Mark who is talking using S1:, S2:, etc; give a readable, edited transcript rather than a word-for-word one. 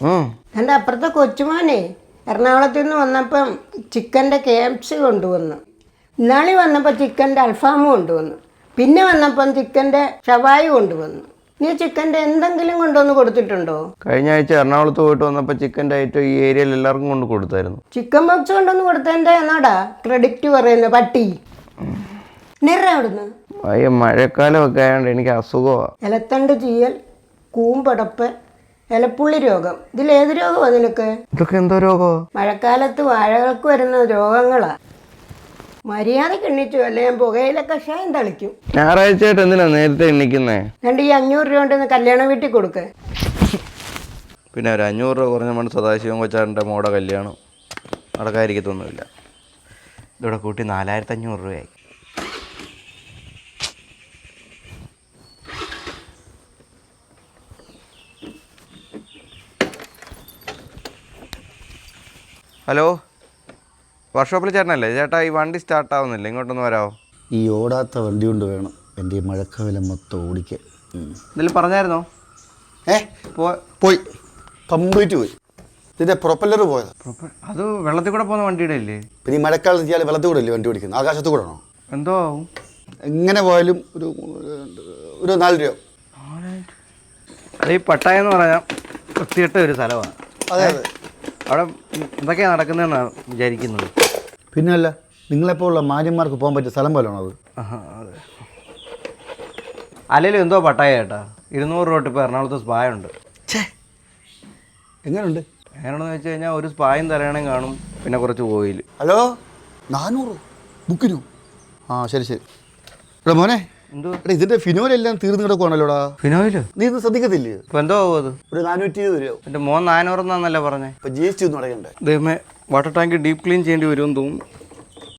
S1: എൻ്റെ അപ്പുറത്തെ കൊച്ചുമോനെ എറണാകുളത്ത് നിന്ന് വന്നപ്പം ചിക്കൻ്റെ KFC കൊണ്ടുവന്നു. ഇന്നാളി വന്നപ്പോൾ ചിക്കൻ്റെ അൽഫാമും കൊണ്ടുവന്നു. പിന്നെ വന്നപ്പം ചിക്കൻ്റെ ഷവായി കൊണ്ടുവന്നു. നീ ചിക്കൻ്റെ എന്തെങ്കിലും കൊണ്ടുവന്ന് കൊടുത്തിട്ടുണ്ടോ?
S2: കഴിഞ്ഞ ആഴ്ച എറണാകുളത്ത് പോയിട്ട് വന്നപ്പോൾ ചിക്കൻ്റെ ഐറ്റം ഈ ഏരിയയിൽ എല്ലാവർക്കും കൊണ്ട് കൊടുത്തായിരുന്നു.
S1: ചിക്കൻ ബോക്സ് കൊണ്ടുവന്ന് കൊടുത്തതിൻ്റെ എന്നാടാ ക്രെഡിറ്റ് പറയുന്നത് പട്ടി നിറ അവിടുന്ന്.
S2: അയ്യോ മഴക്കാലമൊക്കെ ആയതുകൊണ്ട് എനിക്ക് അസുഖമാണ്.
S1: ഇലത്തണ്ട് ചീയൽ, കൂമ്പടപ്പ്, ഇലപ്പുള്ളി രോഗം. ഇതിലേത് രോഗമാണ് നിനക്ക്?
S2: ഇതൊക്കെ എന്തോ രോഗമോ?
S1: മഴക്കാലത്ത് വാഴകൾക്ക് വരുന്ന രോഗങ്ങളാ. മര്യാദക്ക് എണ്ണിച്ചു അല്ലെ ഞാൻ പുകയില കഷായം തളിക്കും.
S2: ഞായറാഴ്ചയായിട്ട് എന്തിനാ നേരത്തെ എണ്ണിക്കുന്നേ?
S1: രണ്ട് ഈ 500 രൂപ ഉണ്ടെന്ന് കല്യാണം വീട്ടിൽ കൊടുക്ക്.
S2: പിന്നെ ഒരു 500 രൂപ കുറഞ്ഞ മണ്ട് സദാശിവൻ കൊച്ചാറിൻ്റെ മോടെ കല്യാണം നടക്കാതിരിക്കത്തൊന്നുമില്ല. ഇതോടെ കൂട്ടി 4500 രൂപയായി. ഹലോ, വർക്ക്ഷോപ്പിൽ ചേട്ടനല്ലേ? ചേട്ടാ ഈ വണ്ടി സ്റ്റാർട്ടാവുന്നില്ല, ഇങ്ങോട്ടൊന്ന് വരാമോ?
S3: ഈ ഓടാത്ത വണ്ടി കൊണ്ട് വേണം എൻ്റെ ഈ മഴക്കാലം മൊത്തം ഓടിക്കാൻ.
S2: എന്തെങ്കിലും പറഞ്ഞായിരുന്നോ?
S3: പോയി കംപ്ലീറ്റ് പോയി. ഇതിൻ്റെ പ്രൊപ്പല്ലർ പോയത്.
S2: അത് വെള്ളത്തിൽ കൂടെ പോകുന്ന വണ്ടിയുടെ അല്ലേ?
S3: പിന്നെ ഈ മഴക്കാലത്ത് ചെയ്യാൻ വെള്ളത്തിൽ കൂടെ അല്ലേ വണ്ടി ഓടിക്കുന്നത്? ആകാശത്ത് കൂടെ ആണോ?
S2: എന്തോ ആവും.
S3: എങ്ങനെ പോയാലും ഒരു 4 രൂപ.
S2: അത് ഈ പട്ടായ എന്ന് പറഞ്ഞാൽ വൃത്തികെട്ട ഒരു സ്ഥലമാണ്.
S3: അതെ അതെ.
S2: അവിടെ എന്തൊക്കെയാണ് നടക്കുന്നതെന്നാണ് വിചാരിക്കുന്നത്.
S3: പിന്നെ അല്ല, നിങ്ങളെപ്പോലുള്ള മാന്യന്മാർക്ക് പോകാൻ പറ്റിയ സ്ഥലം പോലെയാണോ അത്?
S2: അതെ. അല്ലെങ്കിലും എന്തോ പട്ടായ ചേട്ടാ. 200 രൂപ ഇപ്പോൾ എറണാകുളത്ത് സ്പായ ഉണ്ട്.
S3: എങ്ങനെയുണ്ട്?
S2: എങ്ങനെയാണെന്ന് വെച്ച് കഴിഞ്ഞാൽ ഒരു സ്പായും തലയണയും കാണും, പിന്നെ കുറച്ച് ഓയിൽ.
S3: ഹലോ, 400 ബുക്കിനു? ആ ശരി ശരി. എടാ മോനെ,
S2: എന്തോ
S3: ഇതിൻ്റെ ഫിനോലെല്ലാം തീർന്നു കിടക്കുവാണല്ലോടാ.
S2: ഫിനോയില്
S3: നീ ഇത് ശ്രദ്ധിക്കത്തില്ലേ?
S2: ഇപ്പം എന്തോ ആവും അത്?
S3: ഒരു 420 രൂപ.
S2: എൻ്റെ മോൻ 400 എന്നാന്നല്ലേ പറഞ്ഞേ.
S3: ഇപ്പം GST ഒന്നും അടയ്ക്കണ്ടേ?
S2: ദൈവമേ, വാട്ടർ ടാങ്ക് ഡീപ്പ് ക്ലീൻ ചെയ്യേണ്ടി വരുമെന്ന് തോന്നുന്നു.